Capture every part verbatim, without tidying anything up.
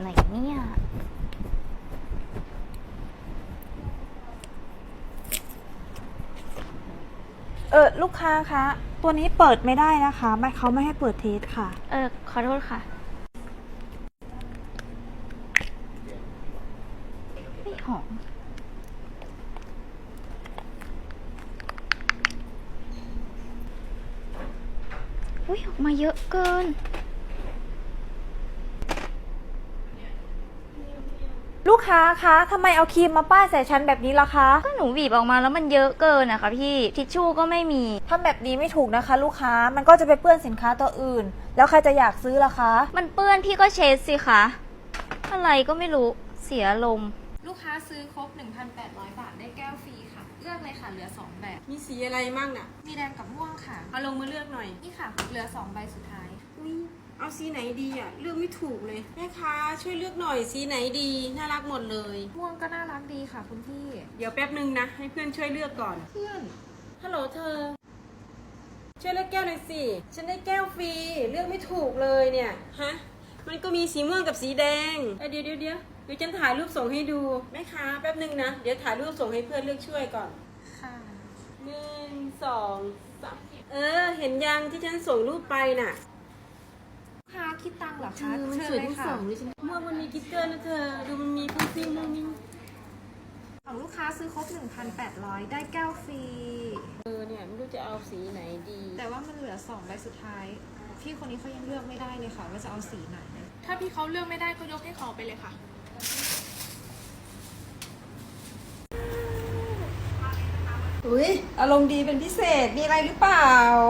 ไหนเนี่ยเออลูกค้าคะตัวนี้เปิดไม่ได้นะคะไม่เขาไม่ให้เปิดเทสค่ะเออขอโทษค่ะไม่หอมอุ้ยออกมาเยอะเกินลูกค้าคะทำไมเอาครีมมาป้ายใส่ฉันแบบนี้ล่ะคะก็หนูบีบออกมาแล้วมันเยอะเกินนะคะพี่ทิชชู่ก็ไม่มีทำแบบนี้ไม่ถูกนะคะ ลูกค้ามันก็จะไปเปื้อนสินค้าตัวอื่น แล้วใครจะอยากซื้อล่ะคะมันเปื้อนพี่ก็เช็ดสิคะอะไรก็ไม่รู้เสียลมลูกค้าซื้อครบ หนึ่งพันแปดร้อย บาทได้แก้วฟรีค่ะเลือกเลยค่ะเหลือสองแบบมีสีอะไรมั่งน่ะมีแดงกับม่วงค่ะเอาลงมาเลือกหน่อยนี่ค่ะเหลือสองใบสุดท้ายอุ้ยเอาสีไหนดีอ่ะเลือกไม่ถูกเลยแม่ค้าช่วยเลือกหน่อยสีไหนดีน่ารักหมดเลยม่วงก็น่ารักดีค่ะคุณพี่เดี๋ยวแป๊บนึงนะให้เพื่อนช่วยเลือกก่อนเพื่อนฮัลโหลเธอช่วยเลือกแก้วหน่อยสิฉันได้แก้วฟรีเลือกไม่ถูกเลยเนี่ยฮะมันก็มีสีม่วงกับสีแดงเเดี๋ยวเดี๋ยวเดี๋ยวเดี๋ยวฉันถ่ายรูปส่งให้ดูแม่ค้าแป๊บนึงนะเดี๋ยวถ่ายรูปส่งให้เพื่อนเลือกช่วยก่อนค่ะหนึ่งสองสามเออเห็นยังที่ฉันส่งรูปไปน่ะลูกค้าคิดตังค์เหรอคะมันสวยทั้งสองเลยฉันม่วงมันมีกิ๊กเกอร์นะเธอดูมันมีพุ่งซิ่งมุ่งมิ่งของลูกค้าซื้อครบ หนึ่งพันแปดร้อย ได้แก้วฟรีเออเนี่ยไม่รู้จะเอาสีไหนดีแต่ว่ามันเหลือสองใบสุดท้ายพี่คนนี้เขายังเลือกไม่ได้เลยค่ะว่าจะเอาสีไหนถ้าพี่เขาเลือกไม่ได้ก็ยกให้เขาไปเลยค่ะอุ้ยอารมณ์ดีเป็นพิเศษมีอะไรหรือเปล่า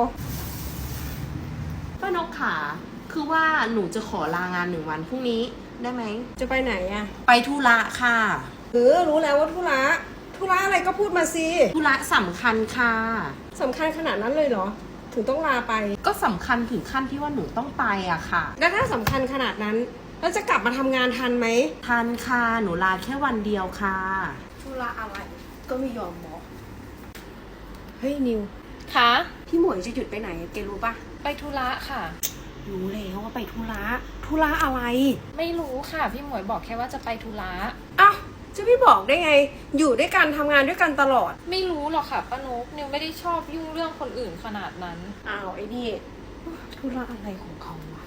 ป้านกขาคือว่าหนูจะขอลางานหนึ่งวันพรุ่งนี้ได้ไหมจะไปไหนอะไปธุระค่ะเออรู้แล้วว่าธุระธุระอะไรก็พูดมาสิธุระสำคัญค่ะสำคัญขนาดนั้นเลยเหรอถึงต้องลาไปก็สำคัญถึงขั้นที่ว่าหนูต้องไปอะค่ะแล้วถ้าสำคัญขนาดนั้นแล้วจะกลับมาทำงานทันไหมทันค่ะหนูลาแค่วันเดียวค่ะธุระอะไรก็ไม่ยอมบอกเฮ้ยนิวคะพี่หมวยจะหยุดไปไหนแกรู้ปะไปธุระค่ะรู้แล้วว่าไปธุระธุระอะไรไม่รู้ค่ะพี่หมวยบอกแค่ว่าจะไปธุระอ้าวจะไม่บอกได้ไงอยู่ด้วยกันทำงานด้วยกันตลอดไม่รู้หรอกค่ะป้านุ๊กนิวไม่ได้ชอบยุ่งเรื่องคนอื่นขนาดนั้นอ้าวไอ้นี่ธุระอะไรของเขาวะ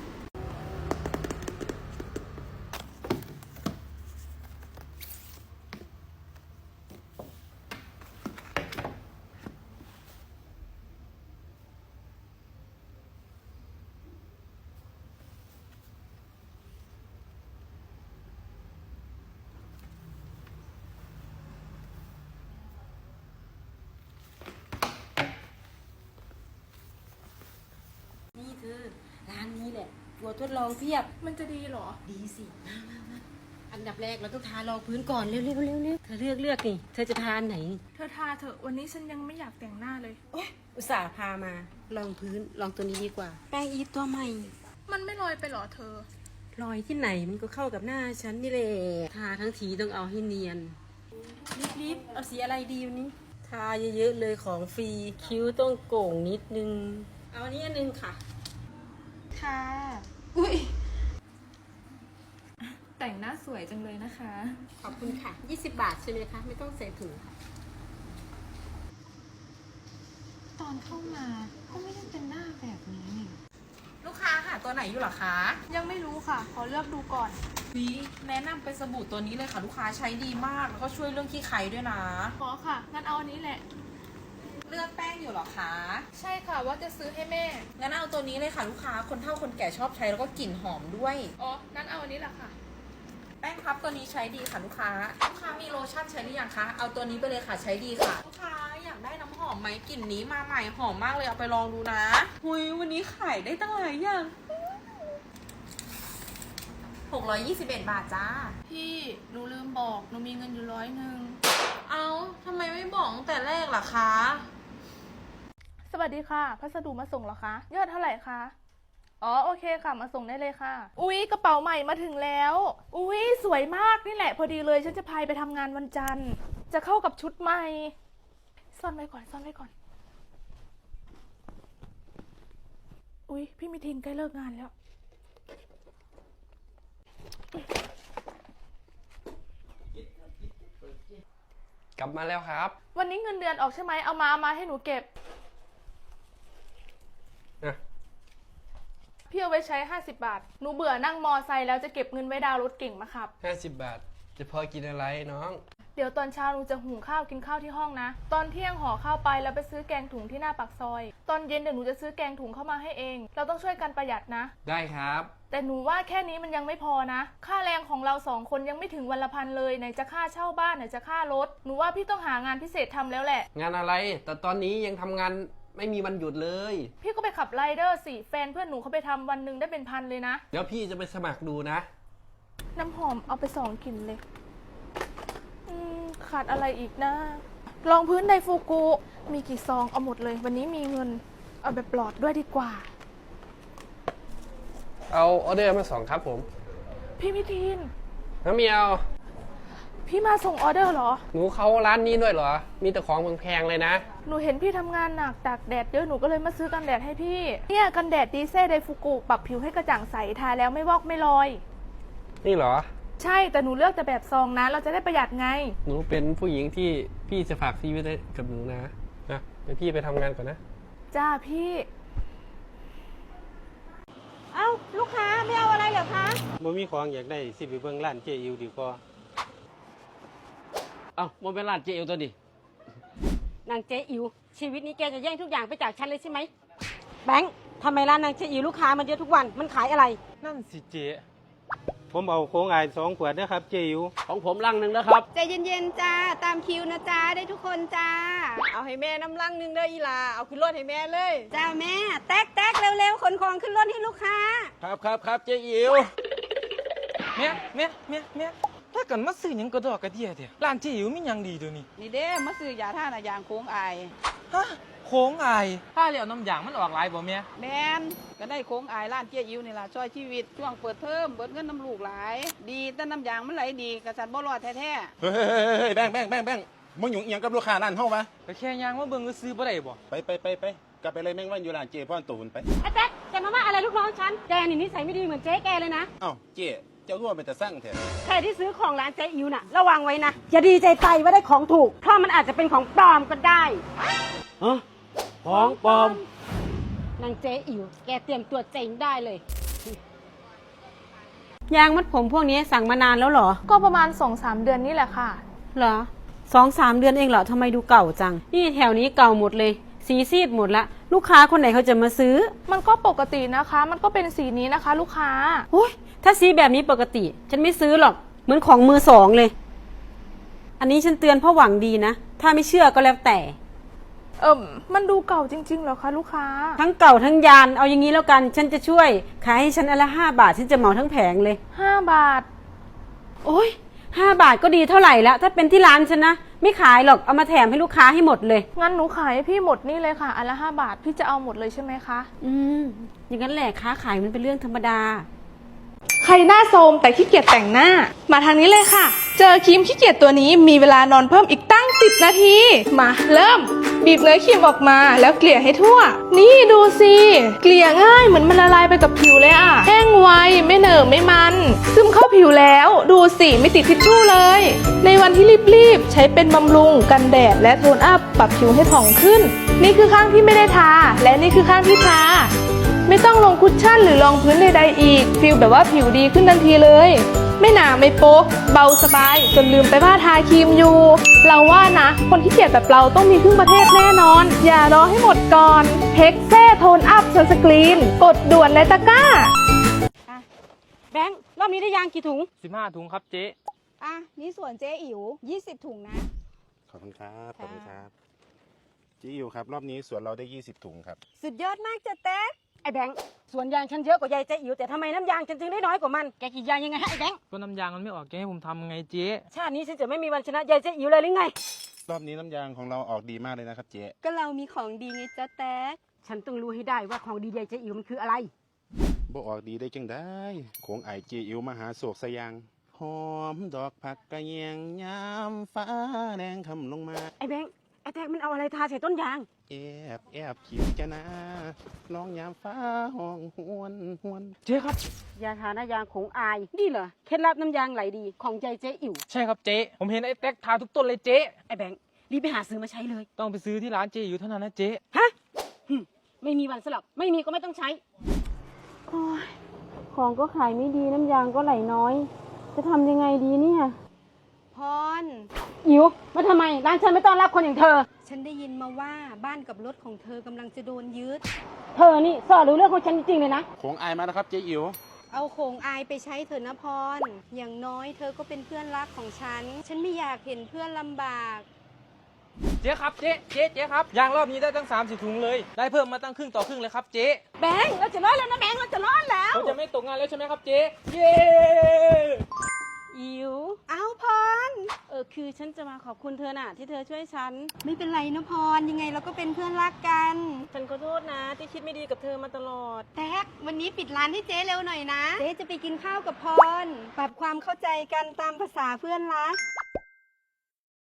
นี่เธอร้านนี้แหละตัวทดลองเพียบมันจะดีเหรอดีสิมามามาอันดับแรกเราต้องทารองพื้นก่อนเร็วเร็วเร็วเร็วเธอเลือกเลือกนี่เธอจะทานไหนเธอทาเถอะวันนี้ฉันยังไม่อยากแต่งหน้าเลยโอ๊ยอุตส่าห์พามาลองพื้นลองตัวนี้ดีกว่าแป้งอีฟตัวใหม่มันไม่ลอยไปหรอเธอรอยที่ไหนมันก็เข้ากับหน้าฉันนี่แหละทาทั้งทีต้องเอาให้เนียนรีบๆเอาสีอะไรดีวันนี้ทาเยอะๆเลยของฟรีคิ้วต้องโก่งนิดนึงเอาอันนี้อันนึงค่ะค่ะอุ้ยแต่งหน้าสวยจังเลยนะคะขอบคุณค่ะยี่สิบบาทใช่ไหมคะไม่ต้องใส่ถุงค่ะตอนเข้ามาก็ไม่ได้เป็นหน้าแบบนี้นี่ลูกค้าค่ะตัวไหนอยู่หรอคะยังไม่รู้ค่ะขอเลือกดูก่อนวีแนะนำเป็นสบู่ตัวนี้เลยค่ะลูกค้าใช้ดีมากแล้วก็ช่วยเรื่องขี้ไคด้วยนะขอค่ะงั้นเอาอันนี้แหละเลือกแป้งอยู่หรอคะใช่ค่ะว่าจะซื้อให้แม่งั้นเอาตัวนี้เลยค่ะลูกค้าคนเฒ่าคนแก่ชอบใช้แล้วก็กลิ่นหอมด้วยอ๋องั้นเอาอันนี้แหละค่ะแป้งพับตัวนี้ใช้ดีค่ะลูกค้าลูกค้ามีโลชั่นใช้หรือยังคะเอาตัวนี้ไปเลยค่ะใช้ดีค่ะลูกค้าอยากได้น้ำหอมไหมกลิ่นนี้มาใหม่หอมมากเลยเอาไปลองดูนะหุยวันนี้ขายได้ตั้งหลายอย่างหกร้อยยี่สิบเอ็ดบาทจ้าพี่หนูลืมบอกหนูมีเงินอยู่ร้อยหนึ่งเอาทำไมไม่บอกตั้งแต่แรกล่ะคะสวัสดีค่ะพัสดุมาส่งเหรอคะยอดเท่าไหร่คะอ๋อโอเคค่ะมาส่งได้เลยค่ะอุ๊ยกระเป๋าใหม่มาถึงแล้วอุ๊ยสวยมากนี่แหละพอดีเลยฉันจะพายไปทำงานวันจันทร์จะเข้ากับชุดใหม่ซ่อนไว้ก่อนซ่อนไว้ก่อนอุ๊ยพี่มิทินใกล้เลิกงานแล้วกลับมาแล้วครับวันนี้เงินเดือนออกใช่ไหมเอามาเอามาให้หนูเก็บอ่ะพี่เอาไว้ใช้ห้าสิบบาท หนูเบื่อนั่งมอไซค์แล้วจะเก็บเงินไว้ดาวน์รถเก่งมาขับห้าสิบบาท จะพอกินอะไรน้องเดี๋ยวตอนเช้าหนูจะหุงข้าวกินข้าวที่ห้องนะ ตอนเที่ยงห่อข้าวไปแล้วไปซื้อแกงถุงที่หน้าปากซอย ตอนเย็นเดี๋ยวหนูจะซื้อแกงถุงเข้ามาให้เอง เราต้องช่วยกันประหยัดนะได้ครับแต่หนูว่าแค่นี้มันยังไม่พอนะ ค่าแรงของเราสองคนยังไม่ถึงวันละพันเลย ไหนจะค่าเช่าบ้านไหนจะค่ารถ หนูว่าพี่ต้องหางานพิเศษทำแล้วแหละงานอะไร แต่ตอนนี้ยังทำงานไม่มีวันหยุดเลยพี่ก็ไปขับไรเดอร์สิ แฟนเพื่อนหนูเขาไปทำวันหนึ่งได้เป็นพันเลยนะเดี๋ยวพี่จะไปสมัครดูนะน้ำหอมเอาไปสองกลิ่นเลย อืมขาดอะไรอีกนะรองพื้นไดฟูกุ มีกี่ซองเอาหมดเลย วันนี้มีเงิน เอาแบบปลอดด้วยดีกว่าเอาออเดอร์มาสองครับผมพี่มิทีนน้ำเมียวพี่มาส่งออเดอร์เหรอหนูเข้าร้านนี้ด้วยเหรอ มีแต่ของแพงๆเลยนะหนูเห็นพี่ทำงานหนักตากแดดเยอะหนูก็เลยมาซื้อกันแดดให้พี่ เนี่ยกันแดดดีเซ่ไดฟูกุปรับผิวให้กระจ่างใสทาแล้วไม่วอกไม่ลอยนี่เหรอใช่แต่หนูเลือกแต่แบบซองนะ เราจะได้ประหยัดไงหนูเป็นผู้หญิงที่พี่จะฝากชีวิตไว้กับหนูนะ นะเดี๋ยวพี่ไปทำงานก่อนนะจ้าพี่เอ้าลูกค้าไม่เอาอะไรเหรอคะบ่มีของอยากได้สิไปเบิ่งร้านเจอิวดีกว่าเอ้ามันเป็นร้านเจลตัวดินางเจ๊อิ๋วชีวิตนี้แกจะแย่งทุกอย่างไปจากฉันเลยใช่ไหมแบงค์ทำไมร้านนางเจ๊อิ๋วลูกค้ามันเยอะทุกวันมันขายอะไรนั่นสิเจ ผมเอาโค้งอายสองขวดนะครับเจอิวของผมลังหนึ่งนะครับใจเย็นๆจ้าตามคิวนะจ้าได้ทุกคนจ้าเอาให้แม่น้ำลังหนึงเด้ออีหลาเอาขึ้นรถให้แม่เลยจ้าแม่แตกแตกเร็วๆขนของขึ้นรถให้ลูกค้าครับครับครับเจอิวแม่แม่แม่แม่ถ้ากันมาซื้อหยังกระดอกกระเดียเถอะร้านเจิ๋วมีหยังดีเดี๋ยวนี้นี่เด้มาซื้อยาท่านะยางโค้งอายฮะโค้งอายถ้าเหลียวน้ำยางมันออกหลายบ่แม่แมนก็ได้โค้งอายร้านเจี๊ยอิวนี่ล่ะช่วยชีวิตช่วงเปิดเทอมเบิดเงินน้ำลูกหลาย ดีแต่น้ำยางมันไหลดีกระสันบ่รอดแท้เฮ้ยเฮ้ยเฮ้ยแบงค์แบงค์แบงค์แบงค์มึงอยู่เอียงกับลูกค้าร้านเฮาวะก็แค่ยางมาเบิ่งก็ซื้อบ่ได้บ่ไปไปไปไปกลับไปเลยแม่งวันอยู่ร้านเจพ่อนตูนไปไอ้แจ๊คแกมาว่าอะไรลูกน้องฉันแกนี่นิสัยไม่ดีเหมือนเจ๊แกเลยนะเอ้าเจเจ้าร่วมเป็นแต่สร้างแท้ใครที่ซื้อของร้านเจ๊อิ๋วน่ะระวังไว้นะอย่าดีใจไปว่าได้ของถูกเพราะมันอาจจะเป็นของปลอมก็ได้ฮะ ของปลอมนางเจ๊อิ๋วแกเตรียมตัวเจ๊งได้เลย ยางมัดผมพวกนี้สั่งมานานแล้วเหรอก็ประมาณ สองสาม เดือนนี่แหละค่ะเหรอสองสามเดือนเองเหรอทำไมดูเก่าจัง นี่แถวนี้เก่าหมดเลย สีซีดหมดละลูกค้าคนไหนเขาจะมาซื้อมันก็ปกตินะคะ มันก็เป็นสีนี้นะคะ ลูกค้าโอ้ยถ้าสีแบบนี้ปกติ ฉันไม่ซื้อหรอกเหมือนของมือสองเลย อันนี้ฉันเตือนเพราะหวังดีนะถ้าไม่เชื่อก็แล้วแต่เอิมมันดูเก่าจริงๆเหรอคะลูกค้าทั้งเก่าทั้งยานเอาอย่างนี้แล้วกัน ฉันจะช่วยขายให้ฉันอนละห้าบาทฉันจะเหมาทั้งแผงเลยห้า บาทโอ้ยห้าบาทก็ดีเท่าไหร่ละถ้าเป็นที่ร้านฉันนะไม่ขายหรอกเอามาแถมให้ลูกค้าให้หมดเลยงั้นหนูขายให้พี่หมดนี่เลยค่ะ อันละห้าบาท พี่จะเอาหมดเลยใช่ไหมคะอืมอย่างนั้นแหละค้าขายมันเป็นเรื่องธรรมดาใครหน้าโทรมแต่ขี้เกียจแต่งหน้า มาทางนี้เลยค่ะ เจอครีมขี้เกียจตัวนี้มีเวลานอนเพิ่มอีกตั้งสิบนาที มาเริ่ม บีบเนื้อครีมออกมาแล้วเกลี่ยให้ทั่ว นี่ดูสิเกลี่ยง่ายเหมือนมันละลายไปกับผิวเลยอะแห้งไวไม่เหนอะไม่มัน ซึมเข้าผิวแล้ว ดูสิไม่ติดทิชชู่เลย ในวันที่รีบๆใช้เป็นบำรุงกันแดดและโทนอัพปรับผิวให้ผ่องขึ้น นี่คือข้างที่ไม่ได้ทาและนี่คือข้างที่ทา ไม่ต้องลงคุชชั่นหรือรองพื้นใดๆอีกฟีลแบบว่าผิวดีขึ้นทันทีเลย ไม่หนาไม่โป๊กเบาสบายจนลืมไปว่าทาครีมอยู่ เราว่านะ คนที่เกียจแบบเราต้องมีครึ่งประเทศแน่นอน อย่ารอให้หมดก่อนเพ็กเซ่โทนอัพซันสกรีนกดด่วนในตะกร้าแบงค์รอบนี้ได้ยางกี่ถุงสิบห้าถุงครับเจ๊อ่ะนี่ส่วนเจ๊อิ๋วยี่สิบถุงนะขอบคุณครับขอบคุณครับเจอิวครับรอบนี้สวนเราได้ยี่สิบถุงครับสุดยอดมากจ้ะแต๊กไอ้แบงค์สวนยางฉันเยอะกว่ายายเจ๊อิ๋วแต่ทำไมน้ำยางฉันจึงได้น้อยกว่ามันแกกี่ยางยังไงฮะไอ้แบงค์ก็น้ำยางมันไม่ออกแกให้ผมทำไงเจ๊ชาตินี้ฉันจะไม่มีวันชนะยายเจ๊อิ๋วเลยหรือไงรอบนี้น้ำยางของเราออกดีมากเลยนะครับเจก็เรามีของดีไงจ้ะแต๊กฉันต้องรู้ให้ได้ว่าของดียายเจ๊อิ๋วมันคืออะไรบ่ออกดีได้จังได้โขงไอเจอิวมหาโศกสยางหอมดอกผักกระเยียงยามฟ้าแดงคำลงมาไอ้แบงค์ไอ้แท็กมันเอาอะไรทาใส่ต้นยางเแอบแอบคิดจะนะลองยามฟ้าห้องหวนหวนเจ๊ครับยาทาน้ายางของอาย นี่เหรอ เคล็ดลับน้ำยางไหลดีของใจเจ๊อิ๋วใช่ครับเจ๊ผมเห็นไอ้แท็กทาทุกต้นเลยเจ๊ไอ้แบงค์รีบไปหาซื้อมาใช้เลยต้องไปซื้อที่ร้านเจ๊อยู่เท่านั้นนะเจ๊ฮะหึไม่มีวันสลับ ไม่มีก็ไม่ต้องใช้โอ้ยของก็ขายไม่ดีน้ำยางก็ไหลน้อย จะทำยังไงดีเนี่ยพรอิ๋วมาทำไม ร้านฉันไม่ต้อนรับคนอย่างเธอฉันได้ยินมาว่าบ้านกับรถของเธอกำลังจะโดนยึดเธอนี่สอดรู้เรื่องของฉันจริงๆเลยนะโค้งอายมานะครับเจ๊อิ๋วเอาโขงอายไปใช้เถอะนะพร อย่างน้อยเธอก็เป็นเพื่อนรักของฉัน ฉันไม่อยากเห็นเพื่อนลำบากเจ๊ครับเจ๊เจ๊เจ๊ครับยางรอบนี้ได้ตั้งสามสิบถุงเลยได้เพิ่มมาตั้งครึ่งต่อครึ่งเลยครับเจ๊แบงค์เราจะรอดแล้วนะแบงค์เราจะรอดแล้วผมจะไม่ตกงานแล้วใช่ไหมครับเจ๊เย้อิ๋วเอาพรเออคือฉันจะมาขอบคุณเธอน่ะ ที่เธอช่วยฉันไม่เป็นไรนะพร ยังไงเราก็เป็นเพื่อนรักกันฉันขอโทษนะ ที่คิดไม่ดีกับเธอมาตลอดแท็กวันนี้ปิดร้านให้เจ๊เร็วหน่อยนะ เจ๊จะไปกินข้าวกับพร ปรับความเข้าใจกันตามภาษาเพื่อนรัก